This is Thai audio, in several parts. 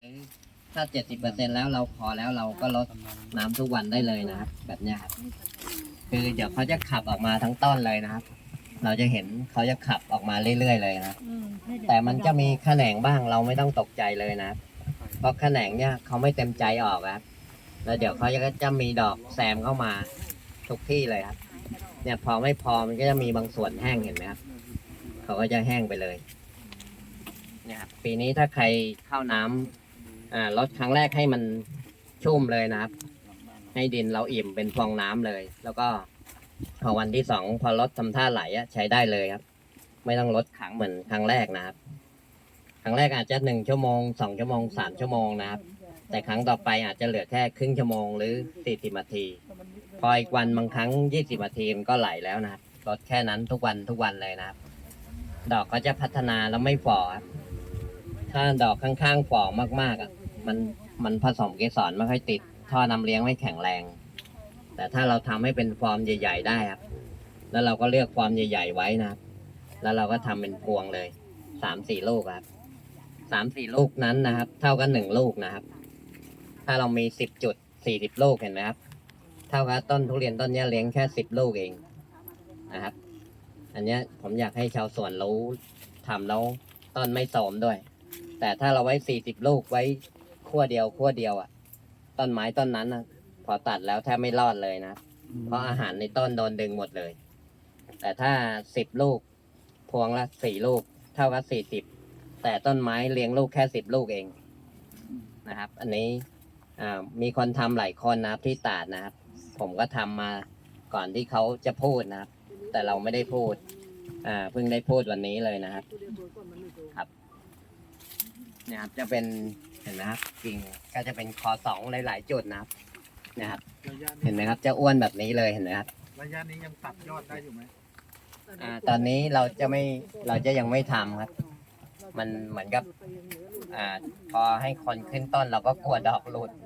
ถ้า 70%แล้วเราพอแล้วเราก็ลดน้ำทุกวันได้เลยนะครับแบบเนี้ยครับคือเดี๋ยวเขาจะขับออกมาทั้งต้นเลยนะครับ เราจะเห็นเขาจะขับออกมาเรื่อยๆเลยนะแต่มันจะมีแขนงบ้างเราไม่ต้องตกใจเลยนะครับเพราะแขนงเนี่ยเขาไม่เต็มใจออกครับแล้วเดี๋ยวเขาจะมีดอกแซมเข้ามาทุกที่เลยครับเนี่ยพอไม่พอมันก็จะมีบางส่วนแห้งเห็นไหมครับเขาก็จะแห้งไปเลยเนี่ยครับปีนี้ถ้าใครเข้าน้ำลดครั้งแรกให้มันชุ่มเลยนะครับให้ดินเราอิ่มเป็นฟองน้ำเลย แล้วก็พอวันที่2พอรถทำท่าไหลใช้ได้เลยครับไม่ต้องลดขังเหมือนครั้งแรกนะครับครั้งแรกอาจจะ1 ชั่วโมง2 ชั่วโมง3 ชั่วโมงนะครับแต่ครั้งต่อไปอาจจะเหลือแค่ครึ่งชั่วโมงหรือ40 นาทีพออีกวันบางครั้ง20 นาทีมันก็ไหลแล้วนะครับลดแค่นั้นทุกวันเลยนะครับดอกก็จะพัฒนาแล้วไม่ฝ่อครับถ้าดอกข้างๆฝ่อมากๆมันผสมเกสรไม่ค่อยติดท่อน้ำเลี้ยงไม่แข็งแรงแต่ถ้าเราทำให้เป็นฟอร์มใหญ่ๆได้ครับแล้วเราก็เลือกฟอร์มใหญ่ๆไว้นะครับแล้วเราก็ทำเป็นพวงเลย3-4 ลูกครับ3-4 ลูกนั้นนะครับเท่ากัน1 ลูกนะครับถ้าเรามี10 จุด40 ลูกเห็นไหมครับเท่ากับต้นทุเรียนต้นนี้เลี้ยงแค่10 ลูกเองนะครับอันนี้ผมอยากให้ชาวสวนรู้ทำแล้วต้นไม่โทรมด้วยแต่ถ้าเราไว้40 ลูกไว้ขั้วเดียวต้นไม้ต้นนั้นพอตัดแล้วแทบไม่รอดเลยนะเพราะอาหารในต้นโดนดึงหมดเลยแต่ถ้า10 ลูกพวงละ4 ลูกเท่ากับ40แต่ต้นไม้เลี้ยงลูกแค่10 ลูกเองนะครับอันนี้มีคนทำหลายคนนะครับที่ตราดนะครับผมก็ทำมาก่อนที่เขาจะพูดนะครับแต่เราไม่ได้พูดเพิ่งได้พูดวันนี้เลยนะครับครับเนี่ยครับจะเป็นเห็นไหมครับกิ่งก็จะเป็นคอ2หลายๆจุดนะครับนะครับเห็นไหมครับจะอ้วนแบบนี้เลยเห็นไหมครับระยะนี้ยังตัดยอดได้อยู่ไหมตอนนี้เราจะยังไม่ทำครับมันเหมือนกับพอให้คนขึ้นต้นเราก็กลัวดอกหลุด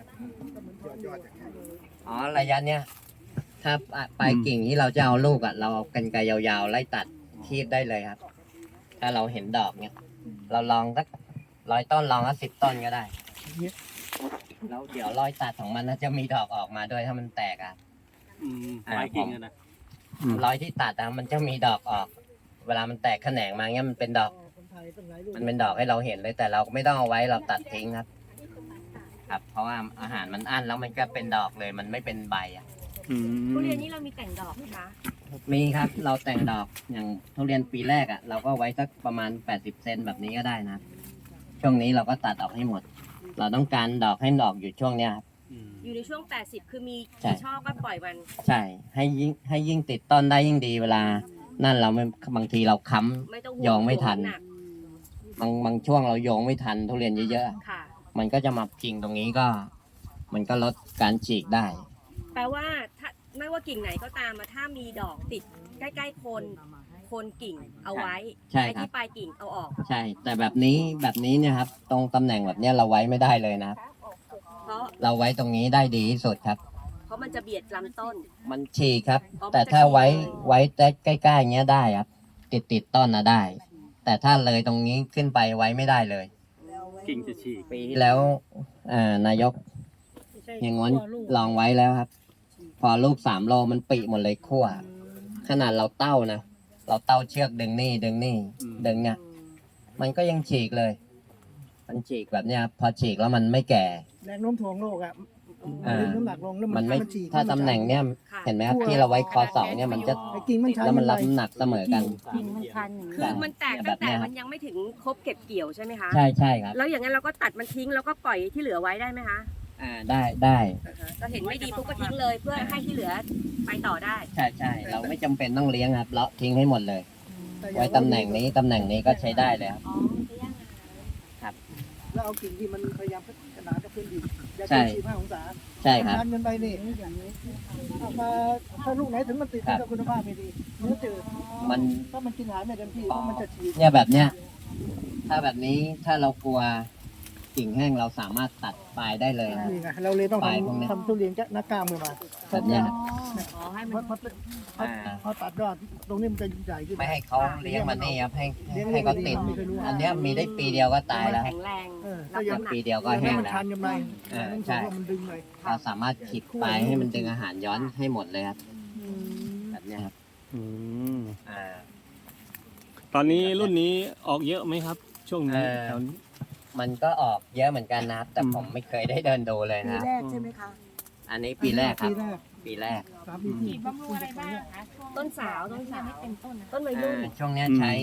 อ๋อระยะเนี้ยถ้าปลายกิ่งที่เราจะเอาลูกเราเอากรรไกรยาวๆไล่ตัดคีบได้เลยครับ ถ้าเราเห็นดอกเนี่ยเราลองสัก100 ต้นลองสัก10 ต้นก็ได้แล้วเดี๋ยวรอยตัดของมันจะมีดอกออกมาด้วยถ้ามันแตกปลายกิ่งนะรอยที่ตัดมันจะมีดอกออก เวลามันแตกแขนงมาเงี้ยมันเป็นดอกให้เราเห็นเลยแต่เราไม่ต้องเอาไว้เราตัดทิ้งครับครับเพราะว่าอาหารมันอั้นแล้วมันก็เป็นดอกเลยมันไม่เป็นใบทุเรียนนี่เรามีแต่งดอกไหมคะมีครับเราแต่งดอกอย่างทุเรียนปีแรกเราก็ไว้สักประมาณ80 เซนแบบนี้ก็ได้นะช่วงนี้เราก็ตัดออกให้หมดเราต้องการดอกให้ดอกอยู่ช่วงเนี้ยครับอยู่ในช่วง80คือมีกี่ช่อก็ปล่อยมันใช่ให้ยิ่งติดต้นได้ยิ่งดีเวลานั่นเราไม่บางทีเราค้ำโยงไม่ทันบางช่วงเราโยงไม่ทันทุเรียนเยอะๆมันก็จะมากิ่งตรงนี้ก็มันก็ลดการฉีกได้แปลว่าถ้าไม่ว่ากิ่งไหนก็ตามถ้ามีดอกติดใกล้ๆโคนกิ่งเอาไว้ใช่ครับที่ปลายกิ่งเอาออกใช่แต่แบบนี้เนี่ยครับตรงตำแหน่งแบบนี้เราไว้ไม่ได้เลยนะเพราะเราไว้ตรงนี้ได้ดีที่สุดครับเพราะมันจะเบียดลำต้นมันฉีกครับแต่ถ้าไว้ใกล้ๆอย่างเงี้ยได้ครับติดต้นได้แต่ถ้าเลยตรงนี้ขึ้นไปไว้ไม่ได้เลยกิ่งจะฉีกปีที่แล้วนายกอย่างงั้นลองไว้แล้วครับพอลูก3 โลมันปิหมดเลยขั้วขนาดเราเต้าเชือกดึงนี่ดึงเนี่ยมันก็ยังฉีกเลยมันฉีกแบบเนี้ยพอฉีกแล้วมันไม่แก่แรงโน้มถ่วงโลกน้ำหนักลงมันไม่ถ้าตำแหน่งเนี้ยเห็นไหมครับที่เราไว้คอ2เนี่ยมันจะแล้วมันรับน้ำหนักเสมอกันคือมันแตกตั้งแต่มันยังไม่ถึงครบเก็บเกี่ยวใช่ไหมคะใช่ครับแล้วอย่างนั้นเราก็ตัดมันทิ้งแล้วก็ปล่อยที่เหลือไว้ได้ไหมคะได้เราเห็นไม่ดีปุ๊บก็ทิ้งเลยเพื่อให้ที่เหลือไปต่อได้ใช่เราไม่จำเป็นต้องเลี้ยงครับเลาะทิ้งให้หมดเลยไว้ตำแหน่งนี้ก็ใช้ได้เลยครับแล้วเอากิ่งที่มันพยายามพัฒนากับพื้นดินอย่าเกิน45 องศาใช่ครับดันกันไปนี่มาถ้าลูกไหนถึงมันติดกับคุณภาพไม่ดีเนื้อจืดถ้ามันกินอาหารไม่เต็มที่มันจะฉีกเนี่ยแบบเนี้ยถ้าแบบนี้ถ้าเรากลัวกิ่งแห้งเราสามารถตัดปลายได้เลยนะนี่ไงเราเลยต้องปลายพวกนี้ทำทุเรียนนักกล้ามขึ้นมาแบบเนี้ยครับอ๋อให้เพมันราะพอตัดยอดตรงนี้มันจะใหญ่ขึ้นไม่ให้เขาเลี้ยงมันนี่ครับให้เขาติด อันเนี้ยมีได้ปีเดียวก็ตายแล้วแข็งแรงก็ยังปีเดียวก็แห้งมันแล้วชันกันไปใช่มันดึงเลยเราสามารถขีดปลายให้มันดึงอาหารย้อนให้หมดเลยครับแบบเนี้ยครับอืมอ่าตอนนี้รุ่นนี้ออกเยอะไหมครับ ช่วงนี้เออแถวนี้มันก็ออกเยอะเหมือนกันนะครับ แต่อืมผมไม่เคยได้เดินดูเลยปีนะครับแรกใช่ไหมคะอันนี้ปีแรกครับ ปีแรก 3 ปีที่บำรุงอะไรบ้างคะต้นสาวต้นสาวไม่เป็นต้นนะต้นวัยรุ่นช่วงเนี้ยใช้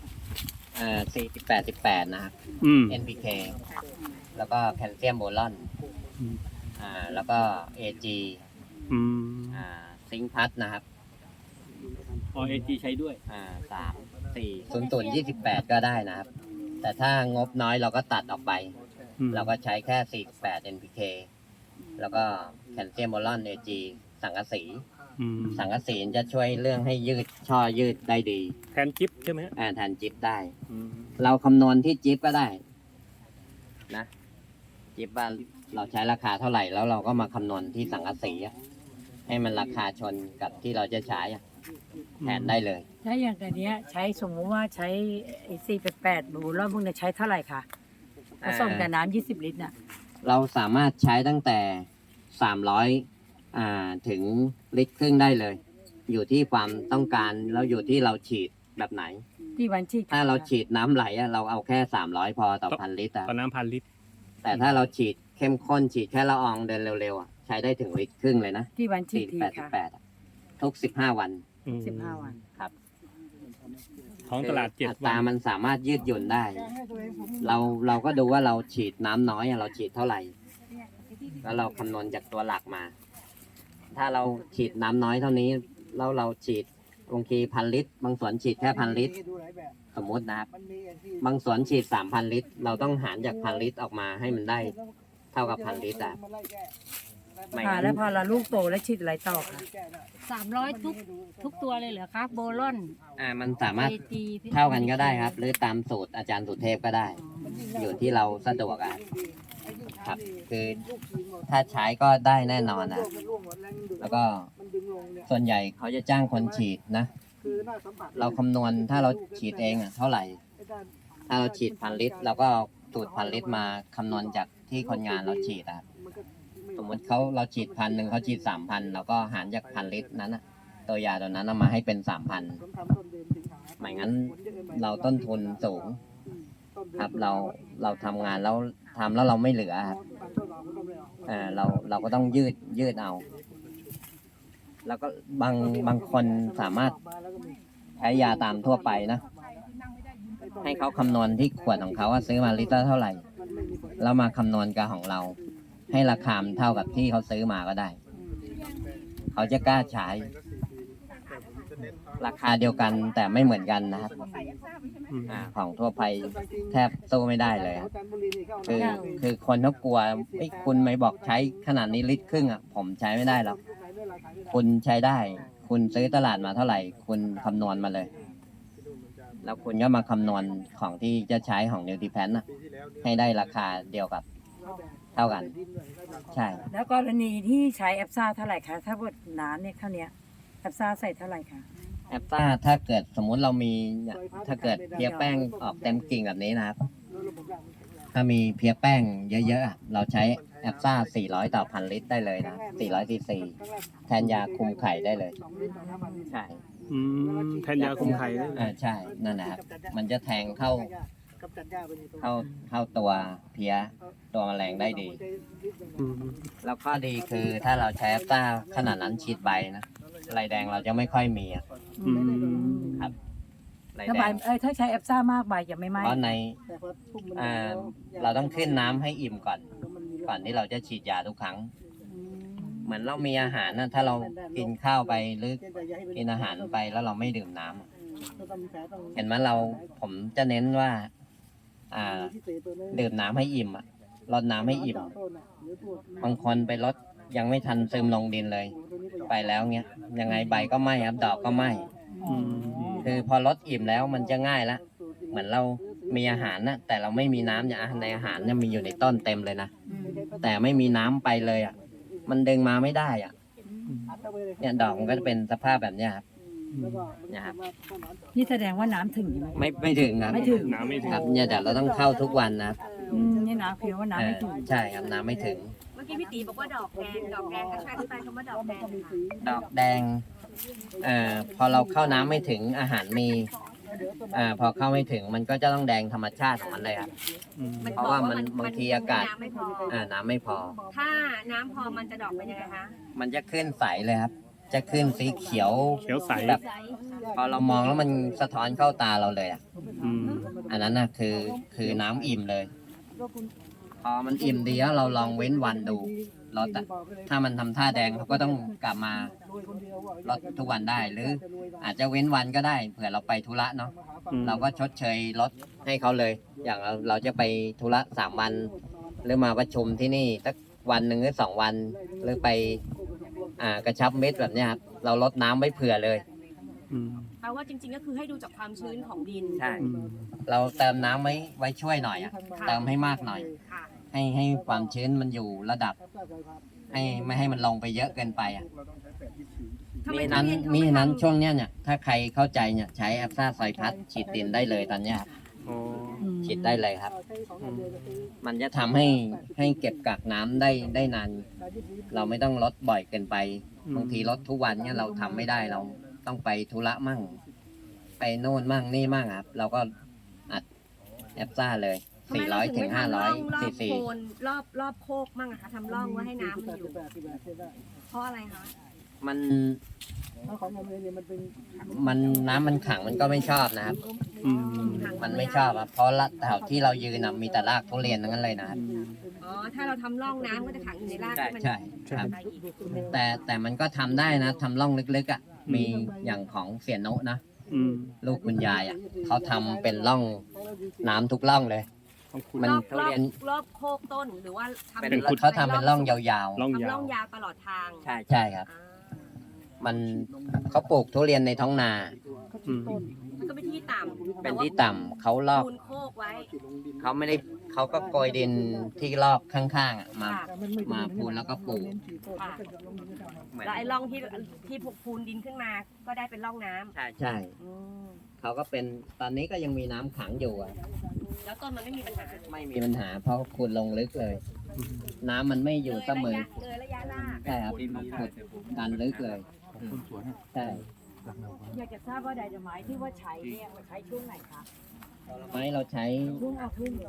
48นะครับอืม NPK แล้วก็แคลเซียมโบรอนอืมแล้วก็ AG อืมซิงค์พัทนะครับอเอจีใช้ด้วย 28ก็ได้นะครับ แต่ถ้างบน้อยเราก็ตัดออกไปอืมเราก็ใช้แค่48 NPK แล้วก็แคลเซียมโบรอน AG สังกะสีอืมสังกะสีจะช่วยเรื่องให้ยืดช่อยืดได้ดีแทนจิ๊บใช่ไหมฮะแทนจิ๊บได้อืมเราคำนวณที่จิ๊บก็ได้นะจิ๊บว่าเราใช้ราคาเท่าไหร่แล้วเราก็มาคำนวณที่สังกะสีอะให้มันราคาชนกับที่เราจะใช้อะแทนได้เลยถ้าอย่างอันเนี้ยใช้สมมุติว่าใช้488บูรอบพวกเนี้ยใช้เท่าไหร่คะผสมกับน้ำ20 ลิตรน่ะเราสามารถใช้ตั้งแต่300ถึงลิตรครึ่งได้เลย อยู่ที่ความต้องการแล้วอยู่ที่เราฉีดแบบไหนที่วันที่ถ้าเราฉีดน้ำไหลอะเราเอาแค่300พอต่อพันลิตรอะตอนน้ำ1,000 ลิตรแต่ถ้าเราฉีดเข้มข้นฉีดแค่ละอองเดินเร็วๆอะใช้ได้ถึงลิตรครึ่งเลยนะที่วันที่ทีค่ะ 48อะทุก15 วันอืม 15 วันครับท้องตลาดคืออั 7 ตวัราน มันสามารถยืดหยุ่นได้ เราก็ดูว่าเราฉีดน้ำน้อยอะเราฉีดเท่าไหร่ แล้วเราคำนวณจากตัวหลักมา ถ้าเราฉีดน้ำน้อยเท่านี้แล้วเราฉีดบางที1,000 ลิตร บางสวนฉีดแค่1,000 ลิตร สมมตินะครับ บางสวนฉีด3,000 ลิตร เราต้องหารจาก 1,000 ลิตรออกมาให้มันได้เท่ากับ 1,000 ลิตรอะไม่ค่ะงั้นแล้วพอเราลูกโตแล้วฉีดอะไรต่อคะ 300ทุกตัวเลยเหรอคะโบลอนมันสามารถ AG เท่ากันก็ได้ครับ หรือตามสูตรอาจารย์สุเทพก็ได้ อยู่ที่เราสะดวกอะครับ คือถ้าใช้ก็ได้แน่นอนนะ แล้วก็ส่วนใหญ่เขาจะจ้างคนฉีดนะ เราคำนวณถ้าเราฉีดเองอะเท่าไหร่ ถ้าเราฉีด1,000 ลิตรเราก็เอาสูตร1,000 ลิตรมาคำนวณจากที่คนงานเราฉีดอะสมมติเราฉีด1,000เขาฉีด3,000เราก็หารจาก1,000 ลิตรนั้นอะตัวยาตัวนั้นเอามาให้เป็น 3,000ไม่งั้นเราต้นทุนสูง ครับเราทำงานแล้วทำแล้วเราไม่เหลือครับเราก็ต้องยืดเอา แล้วก็บางคนสามารถใช้ยาตามทั่วไปนะ ให้เขาคำนวณที่ขวดของเขาว่าซื้อมาลิตรละเท่าไหร่ แล้วมาคำนวณกับของเรา ให้ราคามันเท่ากับที่เขาซื้อมาก็ได้ เขาจะกล้าใช้ ราคาเดียวกันแต่ไม่เหมือนกันนะครับอืมของทั่วไปแทบสู้ไม่ได้เลยครับคือคนเขากลัวคุณไม่บอกใช้ขนาดนี้ลิตรครึ่งอ่ะผมใช้ไม่ได้หรอกคุณใช้ได้ คุณซื้อตลาดมาเท่าไหร่ คุณคำนวณมาเลย แล้วคุณก็มาคำนวณของที่จะใช้ของนิวทริแพนนะให้ได้ราคาเดียวกับเท่ากัน ใช่แล้วกรณีที่ใช้แอปซ่าเท่าไหร่คะถ้าบดน้ำเนี่ยเท่าเนี้ยแอปซ่าใส่เท่าไหร่คะแอปต้าถ้าเกิดสมมุติเรามีเนี่ยถ้าเกิดเพียแป้งออกเต็มกิ่งแบบนี้นะครับ ถ้ามีเพียแป้งเยอะๆอะเราใช้แอปซ่า400 ต่อ 1,000 ลิตรได้เลยนะ400 ซีซีแทนยาคุมไข่ได้เลย ใช่อืมแทนยาคุมไข่ได้ใช่ นั่นนะครับ มันจะแทงเข้าตัวเพียตัวแมลงได้ดีอืมแล้วข้อดีคือถ้าเราใช้แอปต้าขนาดนั้นฉีดใบนะลายแดงเราจะไม่ค่อยมีอะอืมครับลายถ้าแดใบงถ้าใช้แอปซ่ามากใบจะไม่ไหม้เพราะในเราต้องขึ้นน้ำให้อิ่มก่อนที่เราจะฉีดยาทุกครั้ง เหมือนเรามีอาหารนะถ้าเรากินข้าวไปหรือกินอาหารไปแล้วเราไม่ดื่มน้ำอะเห็นไหมผมจะเน้นว่า ดื่มน้ำให้อิ่มอะรดน้ำให้อิ่ม บางคนไปรดยังไม่ทันซึมลงดินเลย ไปแล้วเงี้ยยังไงใบก็ไหม้ครับดอกก็ไหม้อืมคือพอรดอิ่มแล้วมันจะง่ายละเหมือนเรามีอาหารนะแต่เราไม่มีน้ำเนี่ยในอาหารเนี่ยมีอยู่ในต้นเต็มเลยนะแต่ไม่มีน้ำไปเลยอ่ะมันดึงมาไม่ได้อ่ะเนี่ยดอกมันก็จะเป็นสภาพแบบเนี้ยครับเนี่ยครับนี่แสดงว่าน้ำถึงใช่ไหมไม่ถึงครับไม่ถึงน้ำไม่ถึคงรับเนี่ยเดี๋ยวเราต้องเข้าทุกวันนะครับนี่น้ำคือว่าน้ำไม่ถึงใช่ครับน้ำไม่ถึงเมื่อกี้พี่ตีบอกว่าดอกแดงก็ช่วยอธิบายคำว่าดอกแดงหน่อยค่ะดอกแดงพอเราเข้าน้ำไม่ถึงอาหารมีพอเข้าไม่ถึงมันก็จะต้องแดงธรรมชาติของมันเลยครับ เพราะว่ามันบางทีอากาศน้ำไม่พอน้ำไม่พอถ้าน้ำพอมันจะดอกเป็นยังไงคะมันจะขึ้นใสเลยครับ จะขึ้นสีเขียวเขียวใสแบบพอเรามองแล้วมันสะท้อนเข้าตาเราเลยอ่ะอืมอันนั้นนะคือน้ำอิ่มเลย พอมันอิ่มดีแล้วเราลองเว้นวันดูรถอะถ้ามันทำท่าแดงเขาก็ต้องกลับมารถทุกวันได้ หรืออาจจะเว้นวันก็ได้เผื่อเราไปธุระเนาะ เราก็ชดเชยรถให้เขาเลย อย่างเราจะไปธุระ3 วัน หรือมาประชุมที่นี่สักวันหนึ่งหรือ2 วัน หรือไปกระชับเม็ดแบบเนี้ยครับเราลดน้ำไว้เผื่อเลยอืมแปลว่าจริงๆก็คือให้ดูจากความชื้นของดินใช่อืมเราเติมน้ำไว้ช่วยหน่อยอะเติมให้มากหน่อยค่ะให้ความชื้นมันอยู่ระดับ ไม่ให้มันลงไปเยอะเกินไปอ่ะทำไมมีทุเรียนเขาไม่นั้นทำช่วงเนี้ยเนี่ยถ้าใครเข้าใจเนี่ยใช้แอปซ่าไซพัสฉีดดินได้เลยตอนเนี้ยครับโอ้ฉีดได้เลยครับ มันจะทำให้เก็บกักน้ำได้นานเราไม่ต้องลดบ่อยเกินไป บางทีลดทุกวันเนี่ยเราทำไม่ได้เราต้องไปธุระมั่ง ไปโน่นมั่งนี่มั่งครับ เราก็อัดแอปซ่าเลยทำไมเราถึง 400 ถึไม่งทำร่อง 500 รอซีบซีโคนรอบโคกมั่งอะคะทำร่องไว้ให้น้ำมันอยู่ เพราะอะไรคะมันน้ำมันขังมันก็ไม่ชอบนะครับอืมมันไม่ชอบครับเพราะละแถวที่เรายืนนะมีแต่รากทุเรียนทั้งนั้นเลยนะครับอ๋อ ถ้าเราทำร่องน้ำก็จะขังอยู่ในรากใช่ที่มันใช่ครับไปอีกแต่มันก็ทำได้นะทำร่องลึกๆอ่ะมีอย่างของเสียโนะนะอืมลูกคุณยายอ่ะเขาทำเป็นร่องน้ำทุกร่องเลยต้องคุณมันรอบทุเรียนรอบโคกต้นหรือว่าทำเป็นเขาทำเป็นร่องยาวร่องทำยาร่วองยาวตลอดทางๆ ใช่ครับอ่ามันเขาปลูกทุเรียนในท้องนาอืมมันก็เป็นที่ต่ำเป็นที่ต่ำเขาลอกปูนโคกไว้เขาไม่ได้เขาก็โกยดินที่ลอกข้างๆอ่ะมาค่ะมาพูนแล้วก็ปลูกค่ะเหมือนแล้วไอ้ร่องที่ผูกพูนดินขึ้นมา ก็ได้เป็นร่องน้ำใช่อืมเขาก็เป็นตอนนี้ก็ยังมีน้ำขังอยู่อ่ะแล้วต้นมันไม่มีปัญหาไม่มีปัญหาเพราะขุดลงลึกเลย น้ำมันไม่อยู่เสมอเลยระยะรากใช่ครับขุดดันลึกเลยใช่อยากจะทราบว่าไดนาไมต์ที่ว่าใช้เนี่ยใช้ช่วงไหนคะไม้เราใช้ช่วงเอาขึ้น